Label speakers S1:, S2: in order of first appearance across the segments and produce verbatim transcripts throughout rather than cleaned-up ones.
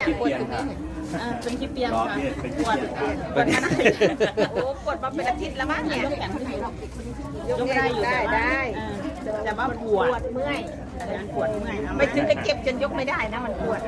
S1: ปวดตรงนี้อ่าเป็นขี้เปียงค่ะปวดปวดมาโอ้ปวดมาเป็นอาทิตย์แล้วมั้งเนี่ยยกแขนขึ้นยกได้อยู่ได้ได้แต่ว่าปวดเมื่อยปวดเมื่อยไม่ถึงจะเก็บจนยกไม่ได้นะมันปวด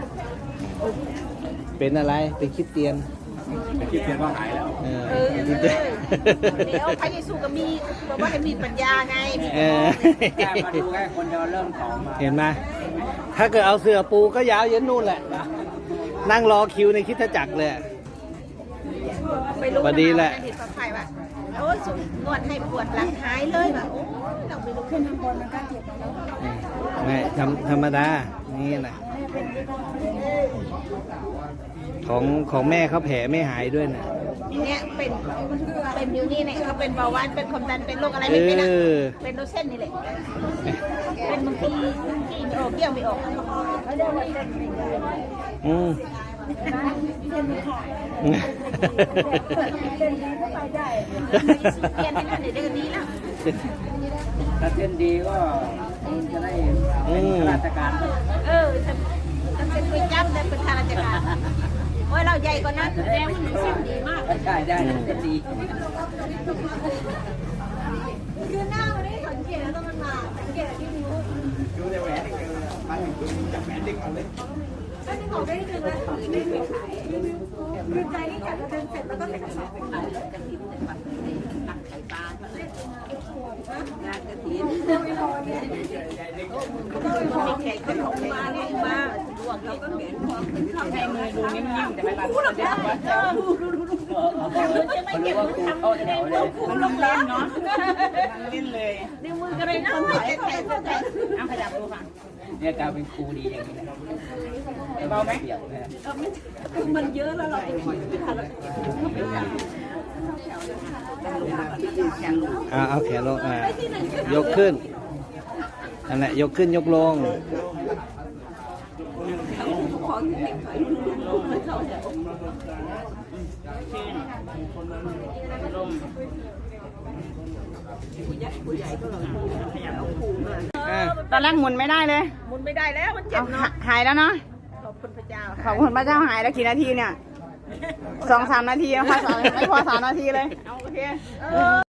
S2: เป็นอะไรเป็นคริสเตียน
S3: เป็นคริสเตียนว่าหายแล้ว
S2: เออ
S1: เออเดี๋ยวพระเยซูก็มีบอกว่าให้มีปัญญาไง
S2: เออ
S3: แค่มาดูแค่คนเดียวเริ่มท้องมา
S2: เห็นไหมถ้าเกิดเอาเสือปูก็ยาวเย็นนู่นแหละ นั่งรอคิวในคริสตจักรเลย
S1: ไปรู้
S2: พอดีแหละ
S1: เห็นปลอดภัยว่ะโอ้ยสุดนวดให้ปวดหลังหายเลยว่ะโอ้ยเราไปรู้ขึ้นข้างบนมันก็เจ็บแล้ว
S2: ไม่ธรรมธรรมดา นี่แหละของของแม่เขาแผลไม่หายด้วยนะ
S1: เนี่ยเป็นเป็นอยู่นี่เนี่ยเขาเป็นเบาหวานเป็นความดันเป็นโรคอะไรไม่เป็นนะ
S2: เออ
S1: เป็นโรคเส้นนี่แหละเป็นบางทีบางทีไม่ออกเกี่ยวไม่ออก
S2: อืม
S1: เปลี่ยนให้นั่นเดี๋ยวจะดีแล้ว
S3: ถ้าเส้นดีก็จะได้เป็นข้าราชการ
S1: เออจะเป็นคุยจ้ำแต่เป็นข้าราชการโอ้ยเราใหญ่กว่านั้นแสดงว่าหนูเส้นดีมาก
S3: ใช่ได้เส้นดี
S1: คือหน้ามันได้สังเกตแล้วต้องมันมาสังเกตที่นิ้ว
S3: ดูในแหวนนี่คือมันจับแหวนดึงเอาเลย
S1: ก็นึกออกได้นึงแล้วไม่มีขายคือใจนี่จัดเดินเสร็จแล้วก็ใส่กระสอบไปขายกระถิ่นตักไข่ปลางานกระถิ่นแขกขนมมาเนี่ยมาดวงเราก็เหม็นพอขึ้นเข้าในมือดูนิ่มๆแต่ไม่บาดเจ็บดูดูดูดูจะไม่เก็บมือทำเข้าแถวเลยมันเล่นเนาะเล่นเลยนิ้วมือก็เลยคนถ่ายถ่ายถ่ายเอาขยับดูค่ะ
S3: เนี่ยกลายเป็นครูดีอย่างนี้นะเบาไหมเปียกนะ
S1: มันเยอะแล้วเราไปคุยไม่ทันแล้ว
S2: อ่าเอาแขนลงอ่า ยกขึ้นนั่นแหละยกขึ้นยกลง
S4: ตอนแรกหมุนไม่ได้เลย
S1: มุนไม่ได้แล้วมันเจ็บเนาะ
S4: หายแล้วเนาะ
S1: ขอบคุณพระเจ้า
S4: ขอบคุณพระเจ้าหายแล้วกี่นาทีเนี่ยสองสามนาทีพอสามไม่พอสามนาทีเลย
S1: เอาโอเค